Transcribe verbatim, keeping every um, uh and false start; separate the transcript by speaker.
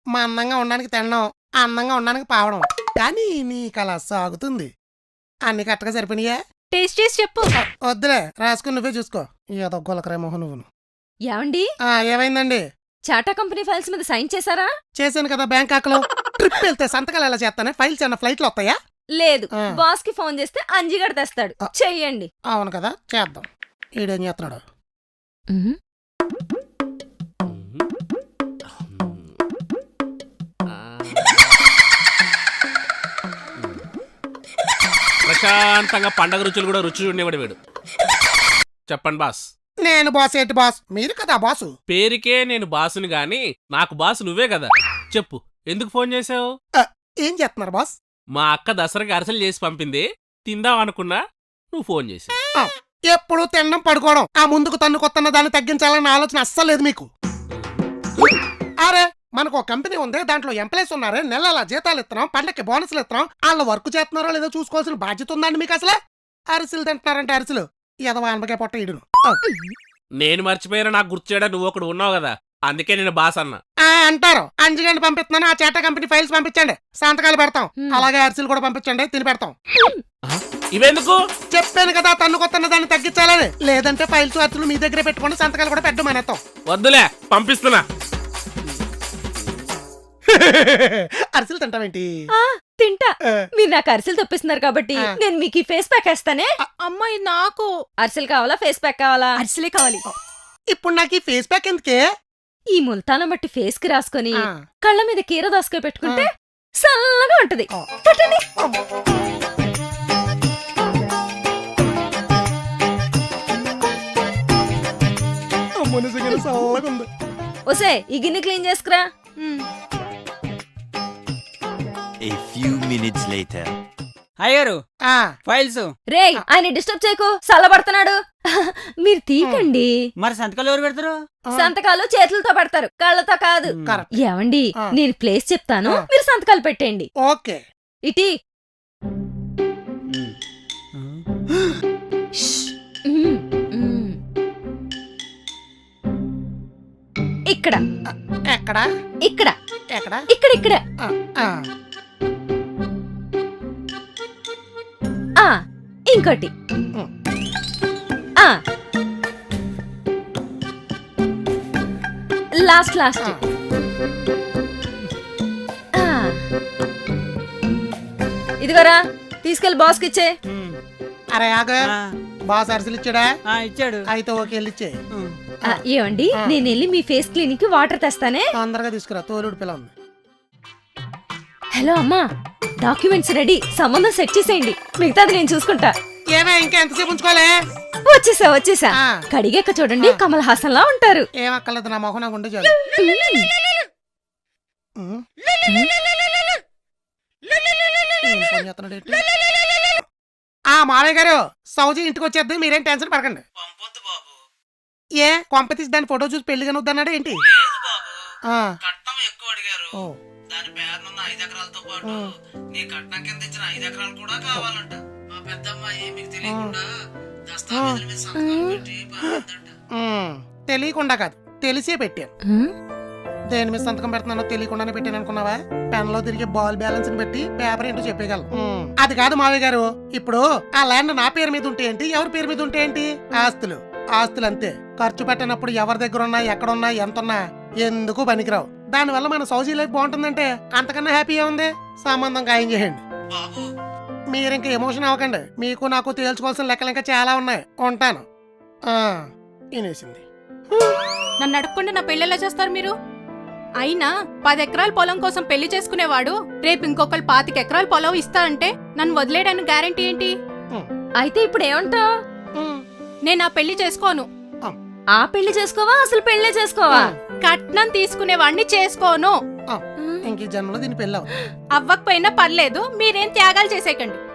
Speaker 1: మా అందంగా ఉండడానికి తినడం, అందంగా ఉండడానికి పావడం. కానీ నీకు అలా సాగుతుంది. అన్ని కరెక్ట్గా సరిపోయినాయా?
Speaker 2: టేస్ట్ చేసి చెప్పు.
Speaker 1: వద్దులే, రాసుకుని నువ్వే చూసుకో. ఏదో గొలకరే మొహం నువ్వును.
Speaker 2: ఏమండి,
Speaker 1: ఏమైందండి?
Speaker 2: చాటా కంపెనీ ఫైల్స్ మీద సైన్ చేశారా?
Speaker 1: చేశాను కదా బ్యాంకాక్ లో. ట్రిప్ వెళ్తే సంతకాలు ఎలా చేస్తానే? ఫైల్స్ ఏమన్నా ఫ్లైట్ లో వస్తాయా?
Speaker 2: లేదు, బాస్ కి ఫోన్ చేస్తే అంజిగడ తెస్తాడు. చెయ్యండి.
Speaker 1: అవును కదా, చేద్దాం. ఈడేం చేస్తున్నాడు?
Speaker 3: ప్రశాంతంగా పండగ రుచులు కూడా రుచి ఉండేవాడు వీడు. చెప్పండి బాస్.
Speaker 1: నేను బాస్ ఏంటి బాస్? మీరు కదా బాసు.
Speaker 3: పేరుకే నేను బాసుని గాని నాకు బాసు నువ్వే కదా. చెప్పు, ఎందుకు ఫోన్ చేసావు?
Speaker 1: ఏం చేస్తున్నారు బాస్?
Speaker 3: మా అక్క దసరాకి అరసలు చేసి పంపింది, తిందాం అనుకున్నా, నువ్వు ఫోన్ చేసి.
Speaker 1: ఎప్పుడు తినడం పడుకోవడం, ఆ ముందుకు తన్ను కొత్తన్న దాన్ని తగ్గించాలన్న ఆలోచన అస్సలు లేదు మీకు. అరే మనకు ఒక కంపెనీ ఉంది, దాంట్లో ఎంప్లాయీస్ ఉన్నారే, నెలల జీతాలు ఇస్తున్నాం, పండక్కి బోనస్లు ఇస్తున్నాం. వాళ్ళ వర్క్ చేస్తున్నారో లేదో చూసుకోవాల్సిన బాధ్యత ఉందండి మీకు. అసలే అరిసెలు తింటున్నారంటే అరిసెలు ఎదవా అనబగే పొట్ట ఇడును.
Speaker 3: నేను మర్చిపోయినా నాకు గుర్తు చేయడం నువ్వు ఒకడు ఉన్నావు కదా, అందుకే నేను బాస్ అన్నా.
Speaker 1: అంటారు. అంజగండి పంపిస్తున్నాను, ఆ చేట కంపెనీ ఫైల్స్ పంపించండి, సంతకాలు పెడతాం. అలాగే అరిసెలు కూడా పంపించండి, తిని పెడతాం.
Speaker 3: ఇవెందుకు?
Speaker 1: చెప్పాను కదా తన్ను కొత్తన్న దాన్ని తగ్గించాలని. లేదంటే ఫైల్స్ అరిసెలు మీ దగ్గర పెట్టుకోండి, సంతకాలు కూడా పెట్టమనేస్తాం.
Speaker 3: వద్దులే, పంపిస్తున్నా.
Speaker 1: అరిసెలు తింటావేంటి?
Speaker 2: తింటా. మీరు నాకు అరిసెలు తప్పిస్తున్నారు కాబట్టి నేను మీకు ఈ ఫేస్ ప్యాక్ వేస్తానే.
Speaker 4: అమ్మాయి నాకు
Speaker 2: అరిసెలు కావాలా, ఫేస్ ప్యాక్ కావాలా?
Speaker 4: అరిసెలే కావాలి.
Speaker 1: ఇప్పుడు నాకు ఈ ఫేస్ ప్యాక్ ఎందుకే?
Speaker 2: ఈ ముల్తానం బట్టి ఫేస్ కి రాసుకొని కళ్ళ మీద కీర దాసుకొని పెట్టుకుంటే చల్లగా ఉంటది. ఒసే ఈ గిన్నె క్లీన్ చేసుకురా.
Speaker 5: A few minutes later.
Speaker 6: అయ్యారు ఫైల్స్.
Speaker 2: రేయ్, ఆయన డిస్టర్బ్ చేయకు, చల్లబడుతున్నాడు. మీరు తీకండి.
Speaker 6: మరి సంతకాలు ఎవరు పెడతారు?
Speaker 2: సంతకాలు చేతులతో పెడతారు, కళ్ళతో కాదు. ఏమండి, నేను ప్లేస్ చెప్తాను, మీరు సంతకాలు పెట్టండి.
Speaker 1: ఓకే.
Speaker 2: ఇటీ ఇక్కడ
Speaker 1: ఎక్కడ
Speaker 2: ఇక్కడ
Speaker 1: ఎక్కడ
Speaker 2: ఇక్కడ ఇక్కడ ఇంకోటి లాస్ట్ లాస్ట్ ఇదిగోరా, తీసుకెళ్లి బాస్కి ఇచ్చే.
Speaker 1: అరే ఆగ, బాస్ అరిసెలు ఇచ్చాడా?
Speaker 6: ఇచ్చాడు.
Speaker 1: అయితే ఓకే, వెళ్ళిచ్చే.
Speaker 2: ఏమండి, నేను వెళ్ళి మీ ఫేస్ క్లీనిక్ కి వాటర్ తెస్తానే.
Speaker 1: తొందరగా తీసుకురా, తోలుడు పిల్ల ఉంది.
Speaker 2: హలో అమ్మా, డాక్యుమెంట్స్ రెడీ, సంబంధం సెట్ చేసేయండి, మిగతాది నేను చూసుకుంటా.
Speaker 1: ఏమే ఇంకా ఎంతసేపు ఉంచుకోలే?
Speaker 2: వచ్చేసా వచ్చేసా. కడిగాక చూడండి, కమల్ హాసన్ లా ఉంటారు.
Speaker 1: ఏం అక్కర్లేదు, నా మొహం నాకు ఉండే చాలు. ఆ మావయ్య గారు, సౌజీ ఇంటికి వచ్చేద్ది, మీరేం టెన్షన్ పడకండి. ఏ కొంపతీసి దాని ఫోటో చూసి పెళ్లి కానీ వద్దన్నాడు ఏంటి?
Speaker 7: దాని పేరునున్న ఐదు ఎకరాలతో పాటు నీ కట్నం కింద ఇచ్చిన ఐదు ఎకరాలు కూడా కావాలంట. మా పెద్దమ్మాయి మీకు తెలియకుండా దస్తావేజుల మీద సంతకాలు పెట్టి పంపిందంట.
Speaker 1: తెలియకుండా కాదు, తెలిసే పెట్టాను. దేని మీద సంతకం పెడుతున్నానో తెలియకుండానే పెట్టాను అనుకున్నావా? పెన్ లో తిరిగి బాల్ బ్యాలెన్స్ పెట్టి పేపర్ ఏంటో చెప్పగలను. అది కాదు మావయ్య గారు, ఇప్పుడు ఆ ల్యాండ్ నా పేరు మీద ఉంటే ఏంటి, ఎవరి పేరు మీద ఉంటే ఏంటి? ఆస్తులు ఆస్తులు అంతే. ఖర్చు పెట్టినప్పుడు ఎవరి దగ్గర ఉన్నా, ఎక్కడున్నా, ఎంతున్నా ఎందుకు పనికిరావు. దానివల్ల మన సౌజీ లైఫ్ బాగుంటుందంటే అంతకన్నా హ్యాపీగా ఉంది. సంబంధం ఖాయం చేయండి. మీరు ఇంకా ఎమోషన్ అవ్వకండి, మీకు నాకు తేల్చుకోవాల్సిన లెక్కలు ఇంకా చాలా ఉన్నాయి. ఉంటాను. వినేసింది.
Speaker 4: నన్ను అడగకుండా నా పెళ్ళి ఎలా చేస్తారు మీరు? అయినా పది ఎకరాల పొలం కోసం పెళ్లి చేసుకునేవాడు రేపు ఇంకొకరు పాతిక ఎకరాల పొలం ఇస్తా అంటే నన్ను వదిలేయడానికి గ్యారంటీ ఏంటి?
Speaker 2: అయితే ఇప్పుడు ఏమంటావు?
Speaker 4: నేను ఆ పెళ్లి చేసుకోను.
Speaker 2: ఆ పెళ్లి చేసుకోవా, అసలు పెళ్లే చేసుకోవా?
Speaker 4: కట్నం తీసుకునేవాడిని చేసుకోను.
Speaker 1: ఇంక జన్మలో దీని పెళ్ళి
Speaker 4: అవ్వకపోయినా పర్లేదు, మీరేం త్యాగాలు చేసేయకండి.